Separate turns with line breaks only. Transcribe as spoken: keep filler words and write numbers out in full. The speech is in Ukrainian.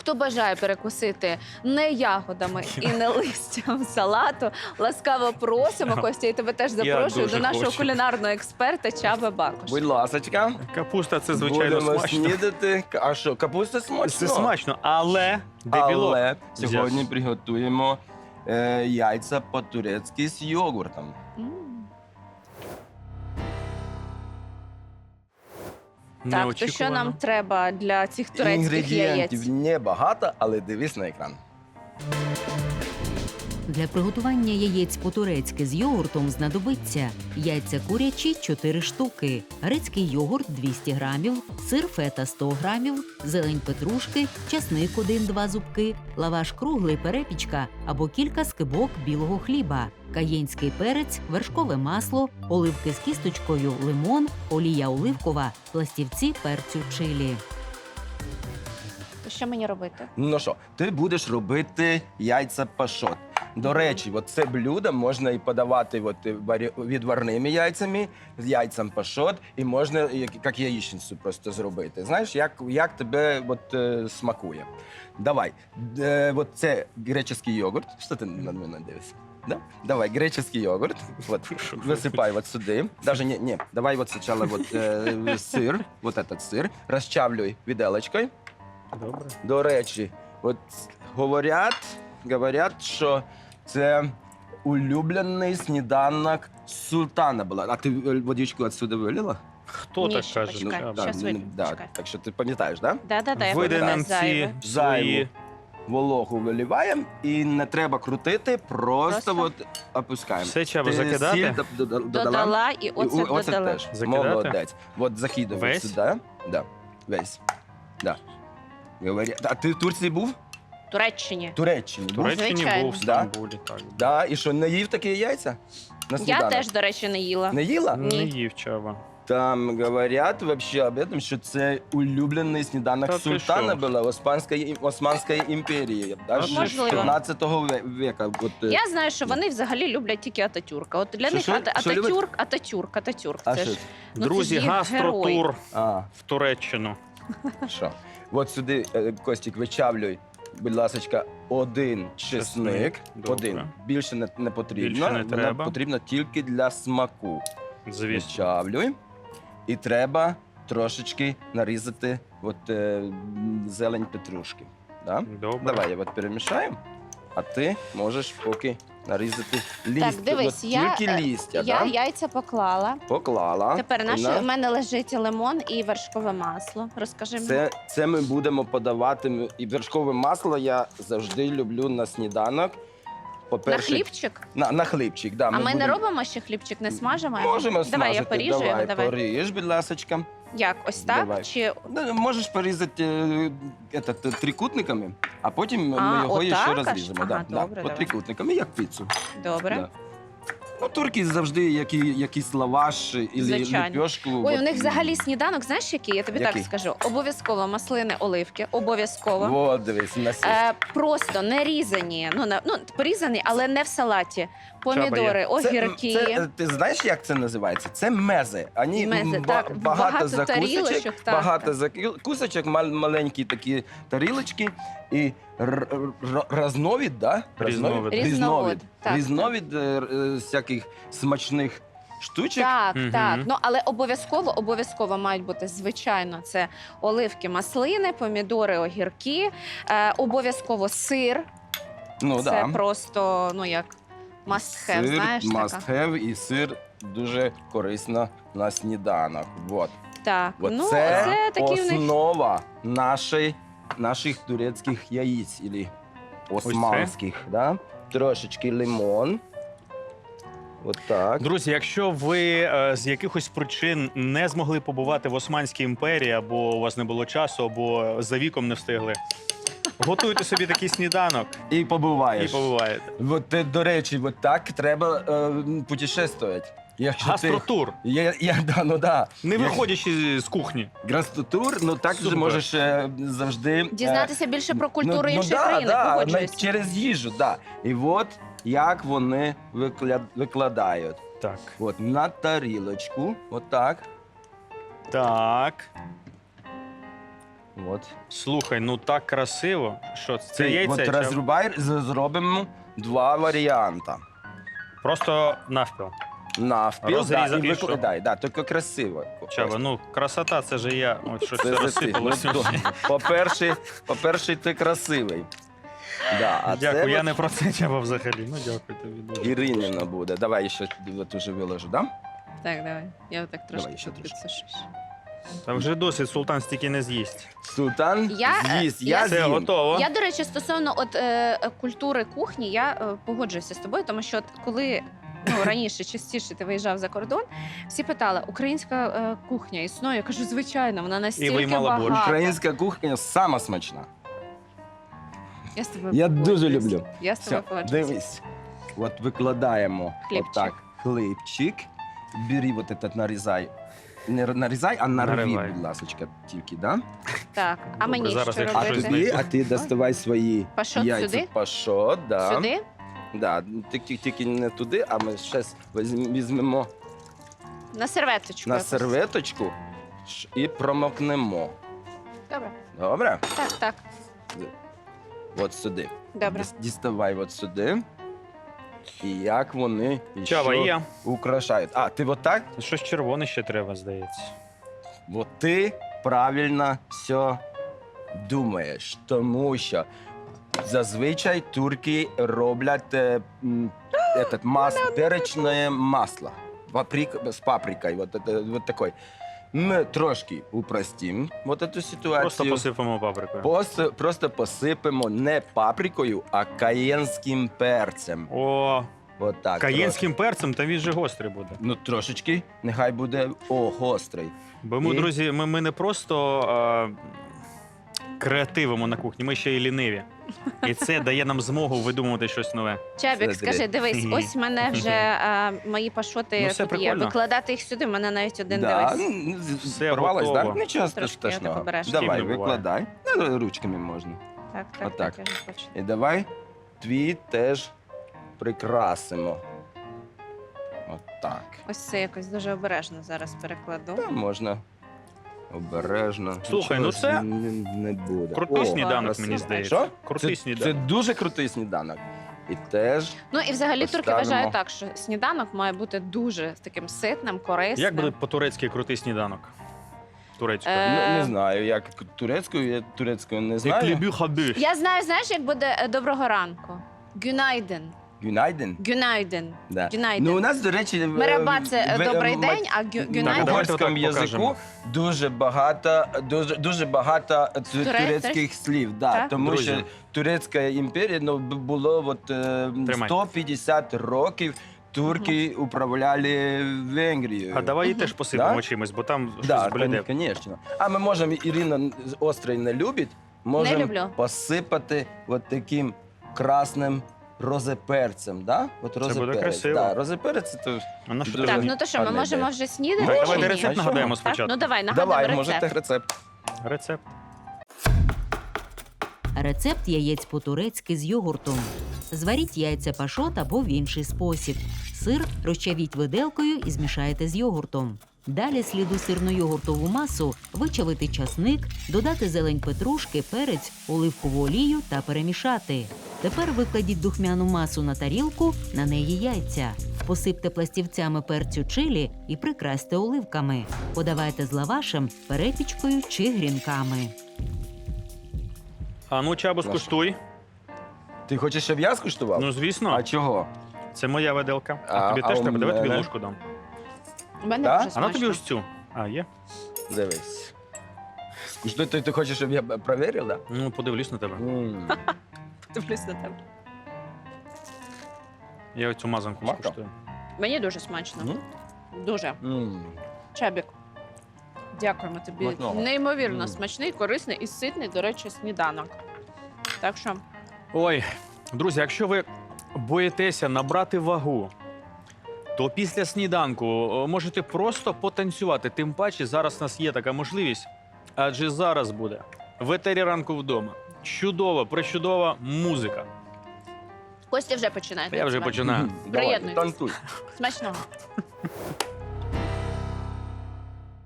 хто бажає перекусити не ягодами і не листям салату, ласкаво просимо, Костя, і тебе теж запрошую
дуже
до нашого
хочу.
кулінарного експерта Чаби Бакуш.
Будь ласочка.
Капуста це, звичайно,
Будемо
смачно.
снідати. А що, капуста смачно?
Це смачно, але де білок?
Але
взяв?
сьогодні приготуємо е, яйця по-турецьки з йогуртом.
М. Так, то що
Неочікувано.
нам треба для цих турецьких
Інгредієнтів
яєць?
небагато, але дивись на екран.
Для приготування яєць по-турецьки з йогуртом знадобиться яйця курячі – чотири штуки, грецький йогурт – двісті грамів, сир фета – сто грамів, зелень петрушки, часник один-два зубки, лаваш круглий перепічка або кілька скибок білого хліба, каєнський перець, вершкове масло, оливки з кісточкою, лимон, олія оливкова, пластівці перцю чилі.
Що мені робити?
Ну що, ти будеш робити яйця пашот. До речі, от це блюдо можна і подавати от, варі- відварними яйцями, з яйцем пашот, і можна як, як яєчницю просто зробити. Знаєш, як, як тебе от, е, смакує. Давай, е, от це греческий йогурт. Що ти на мене дивишся? Да? Давай, греческий йогурт. Вот, высыпай вот сюда. Даже не, не, давай вот сначала вот э, сыр, вот этот сыр, розчавлюй виделочкою.
Добре.
До речі, от говорять, говорять, що це улюблений сніданок султана була. А ти водичку відсюди вилила?
Хто
Ні,
так
ще
каже?
почекай.
Чаба?
щас
ну,
вилью,
да,
чекай.
так що ти пам'ятаєш, так? Да?
Да-да-да, я
Видай
пам'ятаю,
нам ці
зайве.
свої...
Вологу виливаємо і не треба крутити, просто,
Просто?
от опускаємо.
Все, Чаба,
Ти
закидати?
сіль дода- дода- додала?
Додала і
І
оце
о- оцет
додала.
теж.
Закидати?
Молодець. От закидуй
Весь?
сюди. Да. Весь. Да. Говоря- А ти в Турції був?
В Туреччині.
В Туреччині
В
був?
Туреччині
Звичайно.
був в Стамбулі, так.
Да, і що, не їв такі яйця? На
Я
сніданок?
теж, до речі, не їла.
Не їла?
Ні.
Не їв Чаба.
Там говорять вообще об этом, що це улюблений сніданок
Та ти
султана
що?
була Османської, Османської імперії. Аж
Можливо.
з п'ятнадцятого ве- века. От, е,
Я знаю, що вони взагалі люблять тільки Ататюрка. От для
Що,
них
що?
Ата-
Що люблять?
Ататюрк, Ататюрк, Ататюрк.
а
Це
що?
ж, ну, це
Друзі,
ж їх
гастротур
герой.
А,
в Туреччину.
що? От сюди, е, Костік, вичавлюй, будь ласочка, один чесник.
Чесник, добре.
Один. Більше не, не потрібно.
Більше не
Вона
треба.
потрібна тільки для смаку.
Звісно.
Вичавлюй. І треба трошечки нарізати от, е, м, зелень петрушки. Да?
Добре.
Давай я от перемішаю, а ти можеш поки нарізати листя.
Так, дивись,
От
я,
тільки
е,
листя,
Я
да?
яйця поклала.
Поклала.
Тепер наше,
На-
в мене лежить лимон і вершкове масло. Розкажи мені.
Це, це ми будемо подавати. І вершкове масло я завжди люблю на сніданок.
На
По-перше,
хлібчик?
На, на хлібчик, да.
А ми не
будемо-
робимо ще хлібчик, не смажимо? його?
Можемо
Давай я
смажити.
поріжу
давай,
його, давай.
поріж, будь ласочка.
Як, ось так?
Давай.
Чи
Ну, можеш порізати е, этот, е, трикутниками, а потім
А,
ми його
отак
ще
аж?
розріжемо.
Ага,
да,
добре,
да,
давай.
от трикутниками, як піцу.
добре?
Да. Ну, турки завжди які, якийсь лаваш і
Звичайно.
ліпешку.
Ой,
от,
у них взагалі сніданок, знаєш який? Я тобі
Який?
так скажу. Обов'язково маслини, оливки, обов'язково.
Во, дивись, у нас є.
Е, просто не різані, ну, на, ну порізані, але не в салаті. Помідори,
Це-
огірки.
Це, е, ти знаєш, як це називається? Це мези. Ані
Мези,
м, ба-
так, багато
багато закусочок,
тарілочок, так,
багато
так.
закусочок, мал- маленькі такі тарілочки і р- р- разновид, да?
Різновид.
Різновид,
Різновид.
так,
Різновид е, р- е, всяких смачних штучок.
Так,
Мгм.
так. Ну але обов'язково, обов'язково мають бути, звичайно, це оливки, маслини, помідори, огірки, е, обов'язково сир.
Ну,
це
да.
просто, ну як must have,
Сир,
знаєш,
must
така.
have, і сир дуже корисно на сніданок. Вот.
Так,
От
ну
це,
це такі в них.
основа нашої, наших турецьких яєць, або османських. Да? Трошечки лимон. От так.
Друзі, якщо ви е, з якихось причин не змогли побувати в Османській імперії, або у вас не було часу, або за віком не встигли, готуйте собі такий сніданок
І
і
побуваєш.
побуваєте.
От, е, до речі, от так треба е, путешествувати. Якщо
Гастротур,
Ти, я, я, да, ну, да.
не
Як-
виходячи з кухні.
Гастротур, ну так
Супер.
же можеш е, завжди... е,
Дізнатися більше про культуру
ну,
іншої
ну, да,
країни,
да,
погоджуюсь.
на- через їжу, да. І от як вони викля- викладають.
Так.
От на тарілочку, отак.
Так.
От.
Слухай, ну так красиво. Що це? Це
Ти
яйце?
от
чи-
розрубай, з- зробимо два варіанти.
Просто навпіл.
Навпіл, да,
Розрізати
і
і що?
викладай, да, тільки красиво.
Чаба, ну красота, це же я. От щось
Це
це
за ти.
розсипалося.
Ну, то, По-перше, по-перше, ти красивий. Да, а
Дякую,
це
я
от
не про це Чаба взагалі. Ну дякую тобі дуже.
Іринівна буде. Давай ще от уже виложу, да?
Так, давай. Я так трошки
Давай ще
тут
трошки.
підсушу.
Та вже досить, султан стільки не з'їсть.
Султан
Я, е,
з'їсть,
я-
я
Все,
з'їм.
готово.
Я, до речі, стосовно от, е, е, культури кухні, я е, погоджуюся з тобою, тому що от, коли ну, раніше частіше ти виїжджав за кордон, всі питали, українська е, кухня існує. Я кажу, звичайно, вона настільки
виймала борщ.
багата.
Українська кухня сама смачна.
Я з тобою
Я дуже
погоджуюсь.
люблю.
Я з тобою
Все,
погоджуюсь.
дивись. От викладаємо
Хлібчик.
отак хлібчик. Бери вот этот нарізай. Не нарізай, а нарви,
Наривай.
будь ласка, тільки, да?
Так, а
Добре,
мені
зараз
що
я
А
щось
робити?
тобі,
знайду.
а ти доставай свої
Пашот
яйця.
сюди?
Пашот, да.
Сюди?
Да, тільки, тільки не туди, а ми зараз візьмемо
На серветочку.
на
якусь.
серветочку ш- і промокнемо.
Добре.
Добре?
Так, так.
От сюди.
Добре.
Діс- Діставай от сюди. І як вони
Чаба,
ще
є.
украшають. А, ти отак?
Щось червоне ще треба, здається.
От ти правильно все думаєш, тому що зазвичай турки роблять е, м, этот, мас, перечне масло паприк, з паприкою. Вот, это, вот такой. Ми трошки упростимо вот эту ситуацію.
Просто посипемо паприкою.
Пос- просто посипемо не паприкою, а каєнським перцем.
О,
От так,
каєнським перцем, та він же гострий буде.
трошки. Ну, трошечки, нехай буде о, гострий.
Бо ми,
І?
друзі, ми, ми не просто е, креативимо на кухні, ми ще й ліниві. І це дає нам змогу видумувати щось нове.
Чабік,
Це
скажи,
зря.
дивись, ось в мене вже е, мої пашоти
Ну, все
тут є.
прикольно.
Викладати їх сюди, в мене навіть один
Да,
дивись.
ну, з-
Все
порвалась,
готово.
да? Нічого
Трошки я
страшного.
так обережно.
Давай,
З ким не буває.
викладай. Ну, ручками можна.
Так, так,
Отак.
так, я вже бачу.
І давай твій теж прикрасимо. Отак.
Ось це якось дуже обережно зараз перекладу.
Та можна обережно.
Слухай,
Нічого
ну це
ж не, не буде.
Крутий
О,
сніданок,
красиво.
мені здається.
Що?
Крутий
це,
сніданок.
Це дуже крутий сніданок. І теж
Ну і взагалі турки
Поставимо.
вважають так, що сніданок має бути дуже таким ситним, корисним.
Як буде по-турецьки крутий сніданок? Турецькою.
Е,
ну, не знаю, як турецькою, я турецькою не
Як
знаю.
люблю хабі.
Я знаю, знаєш, як буде е, доброго ранку. Гюнайден.
Гюнайден.
Гюнайден.
Да.
Гюнайден.
Ну, у нас, до речі, в-
Мераба це е,
в-
добрий
м-
день, а гю-
в
Так,
гюнайден.
давайте
угорському
отак покажемо.
язику дуже багато, дуже, дуже багато ту-
Туре-
турецьких слів. Да,
Так?
тому
Друзі.
що Турецька імперія ну, б- було от, е,
Тримай.
сто п'ятдесят років турки управляли Венгрією.
А давай її
Мгм.
теж посипемо
Да?
чимось, бо там щось
Да,
блюде.
звісно. А ми можемо, Ірина з- острий не любить, можемо
люблю.
посипати от таким красним розеперцем. Да? От
буде
розеперець.
красиво.
Да, розеперець це теж.
А на що
Дуже
треба?
Так, ну то що, ми
гарна
можемо
ідея.
вже снідати?
Так,
чи
давайте
ні?
рецепт
А що?
нагадаємо
Так?
спочатку.
Ну давай, нагадуємо
Давай,
рецепт.
можете рецепт.
Рецепт.
Рецепт яєць по-турецьки з йогуртом. Зваріть яйця пашот або в інший спосіб. Сир розчавіть виделкою і змішайте з йогуртом. Далі слід у сирно-йогуртову масу вичавити часник, додати зелень петрушки, перець, оливкову олію та перемішати. Тепер викладіть духмяну масу на тарілку, на неї яйця. Посипте пластівцями перцю чилі і прикрасьте оливками. Подавайте з лавашем, перепічкою чи грінками.
А ну, Чабу,
Наша.
скуштуй.
Ти хочеш, щоб я скуштував?
Ну, звісно,
А чого?
це моя виделка. А,
А-
тобі
а
теж
у
треба. Давай тобі
мене?
ложку дам.
У мене
Да?
дуже
А на
смачно.
тобі ось цю. А, є?
Дивись. Скуштуй, ти, ти хочеш, щоб я б- перевірив, так?
Ну, подивлюсь на тебе.
Да?
Дивлюсь на тебе.
Я оцю мазанку
Марко?
скуштую.
Мені дуже смачно. Дуже. Чабік. Дякуємо тобі.
Смачного.
Неймовірно
Мм.
смачний, корисний і ситний, до речі, сніданок. Так що
Ой, друзі, якщо ви боїтеся набрати вагу, то після сніданку о, можете просто потанцювати. Тим паче, зараз у нас є така можливість, адже зараз буде в етері ранку вдома. Чудова, пречудова музика.
Костя вже починає.
Та я вже
танцювати.
починаю.
Давай,
Приєднуйтесь.
танцуй.
Смачного.